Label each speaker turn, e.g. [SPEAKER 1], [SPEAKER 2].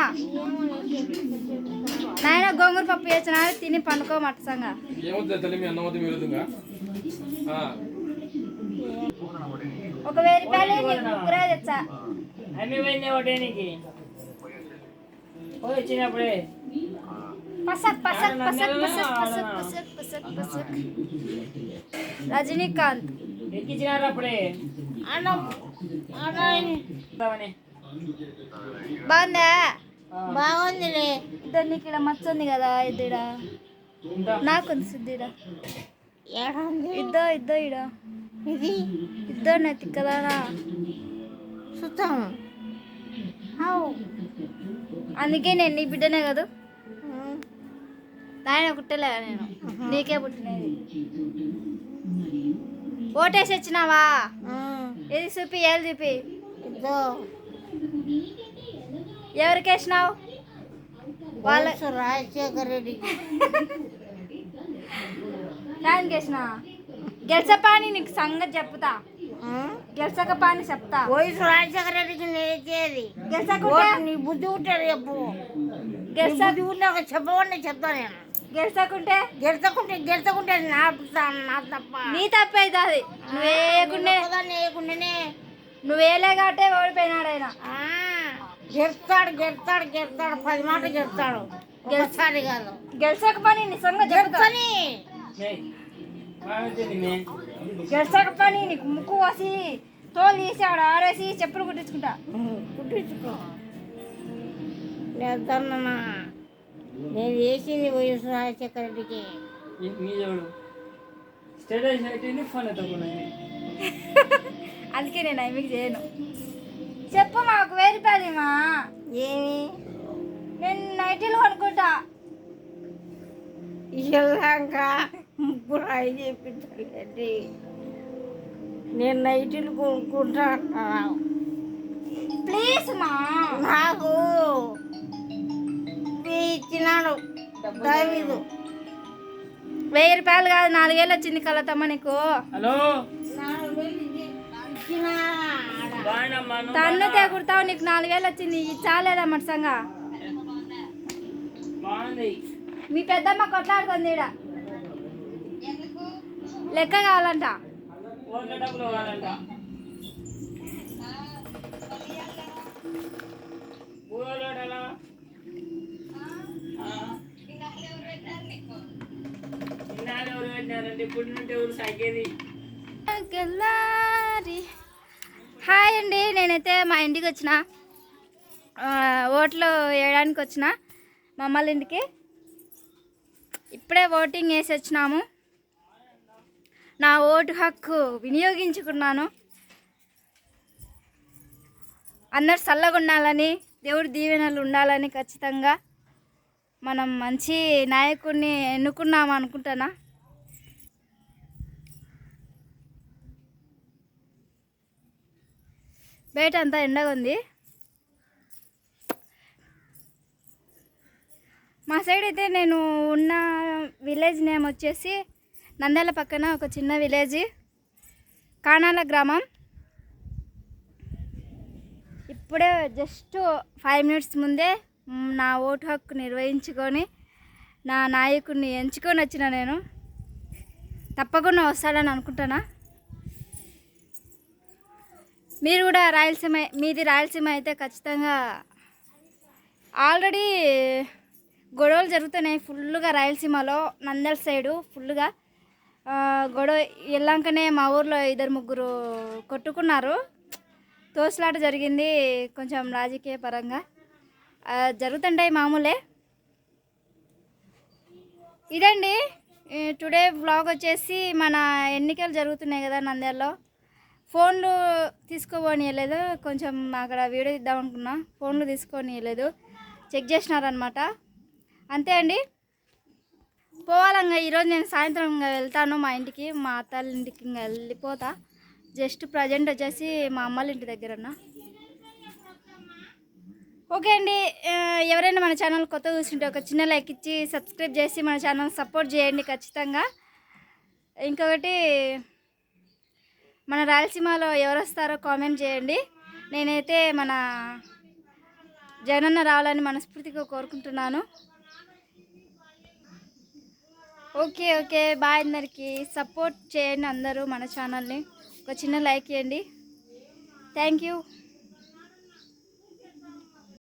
[SPEAKER 1] నాయన గోంగూర పప్పు చేసిన తిని పండుకో మట్టసంగా ఒక 1000 రూపాయలు ముగ్గురే తెచ్చా
[SPEAKER 2] వచ్చినప్పుడే
[SPEAKER 1] పసక్ పసక్ పసక్ పసక్ పసక్ పసక్ పసక్ పసక్ రజనీకాంత్
[SPEAKER 2] ఎక్కించినారు అప్పుడే
[SPEAKER 1] బాగుందా?
[SPEAKER 3] బాగుందిలే.
[SPEAKER 1] ఇద్దరు నీకు ఇక్కడ మచ్చ ఉంది కదా, ఇద్దరా నాకు ఉంది సిద్ధిరా ఇద్దో ఇద్దో ఇడ
[SPEAKER 3] ఇది
[SPEAKER 1] ఇద్దరు నెత్తి కదానా
[SPEAKER 3] సుతం.
[SPEAKER 1] అందుకే నేను నీ బిడ్డనే కదా, నాయన పుట్టలే నేను, నీకే పుట్టినది. ఓటేసి వచ్చినావా? ఏది చూపి, ఏది చూపి. ఎవరికి వేసినావు?
[SPEAKER 3] వాళ్ళ రాజశేఖర్ రెడ్డికి.
[SPEAKER 1] దానికి వేసినా గెలిచపాని నీకు సంగతి చెప్తా, గెలిచకపాని చెప్తా.
[SPEAKER 3] వయసు రాజశేఖర రెడ్డికి నేర్చేది
[SPEAKER 1] గెలిచకుంటే
[SPEAKER 3] నీ బుద్ధి ఉంటాడు చెప్పు.
[SPEAKER 1] గెలిచ
[SPEAKER 3] ఉన్నాక చెప్పవండి చెప్తా నేను.
[SPEAKER 1] గెలిచకుంటే
[SPEAKER 3] గెలుచుకుంటే నా తప్ప.
[SPEAKER 1] నీ తప్పే అవుతుంది.
[SPEAKER 3] వేయకుండానే
[SPEAKER 1] నువ్వేలే కాబట్టే ఓడిపోయినాడు ఆయన.
[SPEAKER 3] గెలుస్తాడు 10 మాటలు గెలుస్తాడు. గెలుస్తాడు కాదు,
[SPEAKER 1] గెలిచకపోని నిజంగా
[SPEAKER 3] గెలుస్తాని.
[SPEAKER 1] గెలిచకపోని నీకు ముక్కు కోసి తోలు తీసి ఆడ ఆరేసి చెప్పులు కుట్టించుకుంటా.
[SPEAKER 3] కుట్టించుకో. నేను వేసింది వైఎస్ రాజశేఖర రెడ్డికి.
[SPEAKER 1] అందుకే నేను మీకు చేయను. చెప్పు మాకు 1000 రూపాయలు మా.
[SPEAKER 3] ఏమి
[SPEAKER 1] నేను నైటీలు కొనుక్కుంటా.
[SPEAKER 3] ఇలాగా ముగ్గురు అయి చెప్పించాలండి. నేను నైటీలు కొనుక్కుంటా అంటున్నాను.
[SPEAKER 1] ప్లీజ్ మా.
[SPEAKER 3] నాకు ఇచ్చినాడు దావీదు.
[SPEAKER 1] 1000 రూపాయలు కాదు, 4000 వచ్చింది కలతమ్మ నీకు.
[SPEAKER 2] హలో
[SPEAKER 1] తన్ను తెగుడతావు, నీకు 4000 వచ్చింది. ఇది చాలేదా మట్సంగా? మీ పెద్దమ్మ కొట్లాడుతుంది ఈడ. లెక్క కావాలంట. హాయ్ అండి, నేనైతే మా ఇంటికి వచ్చిన, ఓట్లు వేయడానికి వచ్చిన మా అమ్మల ఇంటికి. ఇప్పుడే ఓటింగ్ వేసి వచ్చినాము. నా ఓటు హక్కు వినియోగించుకున్నాను. అందరు చల్లగా ఉండాలని, దేవుడి దీవెనలు ఉండాలని, ఖచ్చితంగా మనం మంచి నాయకుడిని ఎన్నుకున్నాము అనుకుంటానా. బయట అంతా ఎండగా ఉంది. మా సైడ్ అయితే నేను ఉన్న విలేజ్ నేమ్ వచ్చేసి నంద్యాల పక్కన ఒక చిన్న విలేజ్, కానాల గ్రామం. ఇప్పుడే జస్ట్ 5 మినిట్స్ ముందే నా ఓటు హక్కు నిర్వహించుకొని నా నాయకుడిని ఎంచుకొని వచ్చిన. నేను తప్పకుండా వస్తాడని అనుకుంటానా. మీరు కూడా రాయలసీమ, మీది రాయలసీమ అయితే ఖచ్చితంగా ఆల్రెడీ గొడవలు జరుగుతున్నాయి ఫుల్గా రాయలసీమలో. నంద్యాల సైడు ఫుల్గా గొడవ వెళ్ళాకనే మా ఊర్లో 2-3 కొట్టుకున్నారు. తోసులాట జరిగింది, కొంచెం రాజకీయ పరంగా జరుగుతుంటాయి, మామూలే. ఇదండి టుడే వ్లాగ్ వచ్చేసి. మన ఎన్నికలు జరుగుతున్నాయి కదా నంద్యాలలో. ఫోన్లు తీసుకోనియలేదు, కొంచెం అక్కడ వీడియో ఇద్దాం అనుకున్నా, ఫోన్లు తీసుకోనియలేదు, చెక్ చేసినారనమాట. అంతే అండి. పోవాలంగా ఈరోజు నేను సాయంత్రం ఇంకా వెళ్తాను మా ఇంటికి, మా అత్తల ఇంటికి ఇంకా వెళ్ళిపోతా. జస్ట్ ప్రజెంట్ వచ్చేసి మా అమ్మల ఇంటి దగ్గరన్నా. ఓకే అండి, ఎవరైనా మన ఛానల్ కొత్త చూస్తుంటే ఒక చిన్న లైక్ ఇచ్చి సబ్స్క్రైబ్ చేసి మన ఛానల్ సపోర్ట్ చేయండి ఖచ్చితంగా. ఇంకొకటి, మన రాయలసీమలో ఎవరు వస్తారో కామెంట్ చేయండి. నేనైతే మన జగనన్న రావాలని మనస్ఫూర్తిగా కోరుకుంటున్నాను. Okay okay bye. అందరికీ సపోర్ట్ చేయండి అందరూ మన ఛానల్ని. ఒక చిన్న లైక్ చేయండి. Thank you.